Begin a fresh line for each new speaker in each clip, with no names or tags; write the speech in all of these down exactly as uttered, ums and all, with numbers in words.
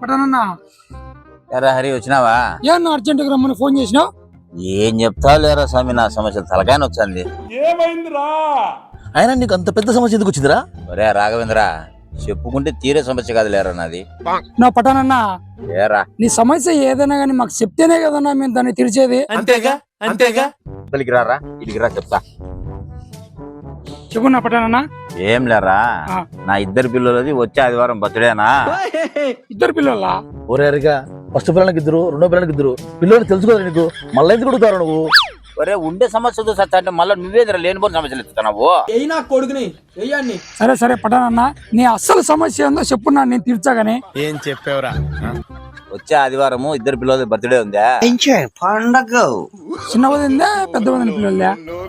పటానన్నా
ఎరా హరి వచ్చినావా?
ఏమన్నా అర్జెంట్ గా రమ్మని ఫోన్ చేసినావు?
ఏం చెప్తావు లేరా స్వామి, నా సమస్య తలకాయన వచ్చింది.
ఏమైందిరా?
అయినా నీకు అంత పెద్ద సమస్య ఎందుకు వచ్చిందిరా?
ఒరే రాఘవేంద్ర, చెప్పుకుంటే తీరే సమస్య కాదు లేరా నాది.
నా పటానన్నా
ఏరా
నీ సమస్య ఏదైనా గానీ మాకు చెప్తేనే కదన్నా మేము దాన్ని తీర్చేది.
అంతేగా అంతేగా
ఇక్కడికి రారా, ఇడికి రా చెప్తా.
చెప్పు నా పటానన్నా.
ఏం లేరా,
ఆ.
నా ఇద్దరు పిల్లలది వచ్చే ఆదివారం బర్త్డేనా.
ఇద్దరు పిల్లల
ఒరే హరిగా, ఫస్ట్ పిల్లలకి ఇద్దరు, రెండో పిల్లలకి ఇద్దరు పిల్లలు తెలుసుకోవాలి నీకు. మళ్ళీ ఎందుకు అడుగుతారు నువ్వు?
ఒరే ఉండే సమస్యతో సత్తా అంటే మళ్ళీ నువ్వేదిరా లేనిపోయిన సమస్యలు ఎత్తుతున్నావు.
అయినా కొడుకుని వెయ్యండి.
సరే సరే పటానన్నా, నీ అస్సలు సమస్య ఏందో చెప్పున్నా, నేను తీర్చాగానే.
ఏం చెప్పావురా?
వచ్చే ఆదివారము ఇద్దరు పిల్లలది బర్త్డే ఉందా. పండగ
చిన్న వదిందా పెద్ద వదిన పిల్లలదా?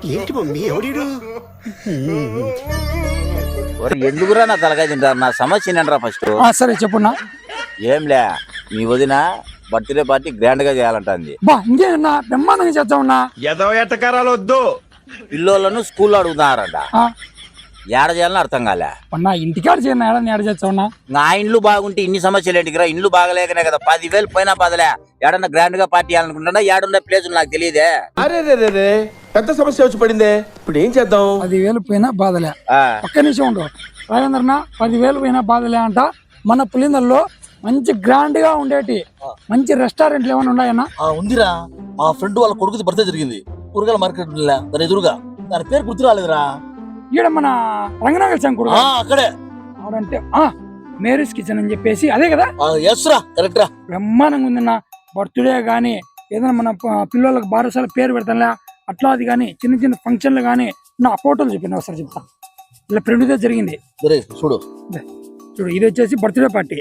ఒరే ఎందుకురా నా తలకాయ తింటారు, నా సమస్య ఏంటరా ఫస్ట్.
ఆ, సరే చెప్పున్నా.
ఏంలే, మీ వదిన బర్త్డే పార్టీ గ్రాండ్ గా చేయాలంటుంది.
బా ఇంకేనా బ్రహ్మాండంగా చేద్దామన్నా.
ఎదో ఎట్టకారాలు వద్దు.
పిల్లోళ్ళను స్కూల్లో అడుగుతున్నారంట.
ఆ,
ఏడ చేయాలని అర్థం కాలే.
అన్నా ఇంటికాడ చేయను ఏడా ఏడ చేస్తామన్నా.
నా ఇండ్లు బాగుంటే ఇన్ని సమస్యలు ఏంటికిరా? ఇండ్లు బాగలేకనే కదా పదివేలు పోయినా పదలే. ఏడన్నా గ్రాండ్ గా పార్టీ చేయాలనుకుంటున్నా, ఏడున్న ప్లేస్ నాకు తెలియదే.
అరే రే రే రే పెద్ద సమస్య వచ్చి పడిందే, ఇప్పుడు ఏం చేద్దాం?
పదివేలు పోయినా బాధలే.
ఆ,
ఒక్క నిమిషం ఉండు రాజేంద్రన్న. పదివేలు పోయినా బాధలే అంట. మన పులిందల్లో మంచి గ్రాండ్ గా ఉండేటి మంచి రెస్టారెంట్లు ఏమైనా ఉన్నాయన్నా?
ఆ ఉందిరా, మా ఫ్రెండ్ వాళ్ళ కొడుకుది బర్త్డే జరిగింది కూరగాయల మార్కెట్ దాని ఎదురుగా. దాని పేరు గుర్తు రాలేదురా.
ఈడ మన రంగనాగల్ శంకుడు
ఆ, అక్కడే
ఆడంటే ఆ మేరీస్ కిచెన్ అని చెప్పేసి అదే కదా.
ఎస్ రా, కరెక్ట్ రా.
బ్రహ్మాండంగా ఉందన్న. బర్త్డే గానీ ఏదైనా మన ప- పిల్లలకు బారసాల పేరు పెడతానులే అట్లా, అది కానీ చిన్న చిన్న ఫంక్షన్లు కానీ నా ఫోటోలు చెప్పిన ఒకసారి చెప్తా. ఇలా ఫ్రెండ్తో జరిగింది.
సరే చూడు.
ఇదే, చూడు ఇది వచ్చేసి బర్త్డే పార్టీ.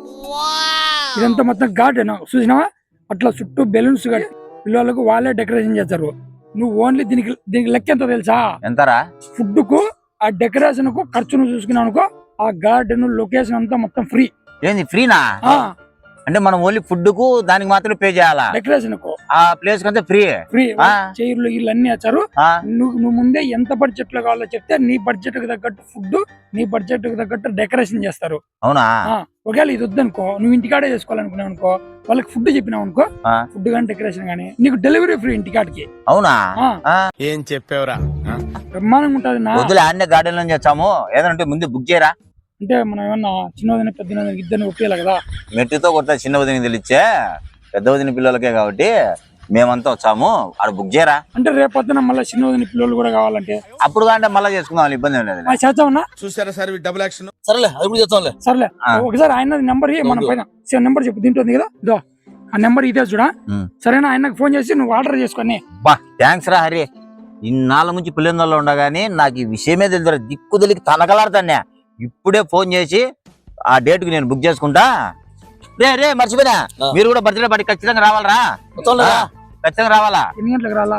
ఇదంతా మొత్తం గార్డెన్ చూసినావా? అట్లా చుట్టూ బెలూన్స్ కట్టి పిల్లలకు వాళ్ళే డెకరేషన్ చేస్తారు. నువ్వు ఓన్లీ దీనికి దీనికి లెక్క ఎంత తెలుసా?
ఎంతరా?
ఫుడ్ కు ఆ డెకరేషన్ కు ఖర్చును చూసుకున్నావు అనుకో, ఆ గార్డెన్ లొకేషన్ అంతా మొత్తం ఫ్రీ.
ఏంది ఫ్రీనా? అంటే మనం ఓన్లీ ఫుడ్ కు దానికి మాత్రం పే చేయాలా?
డెకరేషన్ కు
ఆ ప్లేస్ కంటే ఫ్రీ.
ఫ్రీ.
ఆ.
చైర్లు ఇల్లు అన్ని వచ్చారు.
ఆ,
నువ్వు నువ్వు ముందే ఎంత బడ్జెట్ లో కావాలో చెప్తే నీ బడ్జెట్ కు తగ్గట్టు ఫుడ్, నీ బడ్జెట్ కు తగ్గట్టు డెకరేషన్ చేస్తారు.
అవునా?
ఆ, ఒకవేళ ఇది వద్దనుకో, నువ్వు ఇంటికాడే చేసుకోవాలనుకున్నావు అనుకో, వాళ్ళకి ఫుడ్ చెప్పినావు అనుకో,
ఆ.
ఫుడ్ కానీ డెకరేషన్ కానీ నీకు డెలివరీ ఫ్రీ ఇంటికాడికి.
అవునా?
ఆ.
ఆ,
ఏం చెప్పావురా?
బ్రహ్మాండంగా ఉంటది నా.
వద్దులే అన్ని గార్డెన్ లో చేస్తాము. ఏదంటే ముందు బుక్ చేయరా.
అంటే మనం ఏమన్నా చిన్నదిన పెద్ద ఇద్దరిని ఒప్పేయాలి కదా.
మెట్టుతో కొత్త చిన్న వదిన తెలిచ్చే, పెద్ద వదిన పిల్లలకే కాబట్టి మేమంతా వచ్చాము. ఆడ బుక్ చేయరా.
అంటే రేపొద్దున మళ్ళీ చిన్నదిన పిల్లలు కూడా కావాలంటే
అప్పుడు అంటే మళ్ళీ చేసుకుందాం, ఇబ్బంది ఏం లేదు.
ఆ చేద్దామన్నా.
చూసారా సార్ డబుల్ యాక్షన్.
సరేలే, అది కూడా చేస్తాంలే.
సర్లే,
ఆ.
ఒకసారి ఆయన నెంబర్ మనం పైన నెంబర్ చెప్పు, తింటుంది కదా ఇదో ఆ నెంబర్ ఇదే చూడా.
ఉమ్.
సరేనా? ఆయనకు ఫోన్ చేసి నువ్వు ఆర్డర్ చేసుకొని.
బా థ్యాంక్స్ రా హరి. ఇన్నాళ్ళ నుంచి పిల్లల్లో ఉండగాని నాకు ఈ విషయమే తెలుసు. దిక్కు తెలికి తనకలాడుతానే. ఇప్పుడే ఫోన్ చేసి ఆ డేట్ కి నేను బుక్ చేసుకుంటా. రే రే మర్చిపోయినా,
ఆ.
మీరు కూడా బర్త్డే పార్టీ ఖచ్చితంగా రావాలరా.
వస్తాంలే.
ఆ, ఖచ్చితంగా రావాలా.
ఎన్ని గంటలకు రాలా?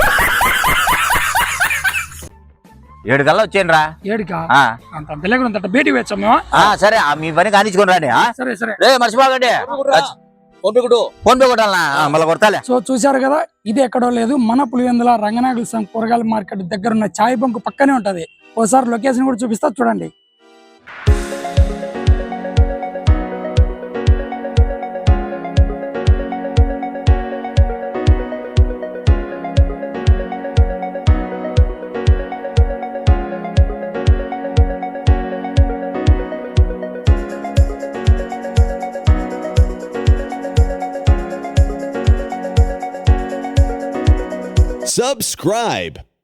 ఏడు కల్లా వచ్చేయండి రా.
ఏడుకా?
ఆ,
అంత అంత లేకుండా అంత బయటికి వచ్చాం మేము.
ఆ, సరే ఆ, మీ పని కానిచ్చుకొని రాండి. ఆ?
సరే సరే.
రే మర్చిపోకండి.
ఫోన్ పే కొట్టు.
ఫోన్ పే కొట్టాలనా? మళ్ళీ కొడతాలే.
సో చూసారు కదా, ఇది ఎక్కడో లేదు, మన పులివెందుల రంగనాయకుల సంఘ కూరగాయల మార్కెట్ దగ్గర ఉన్న చాయ్ బంక్ పక్కనే ఉంటది. ఒకసారి లొకేషన్ కూడా చూపిస్తా చూడండి.
Subscribe.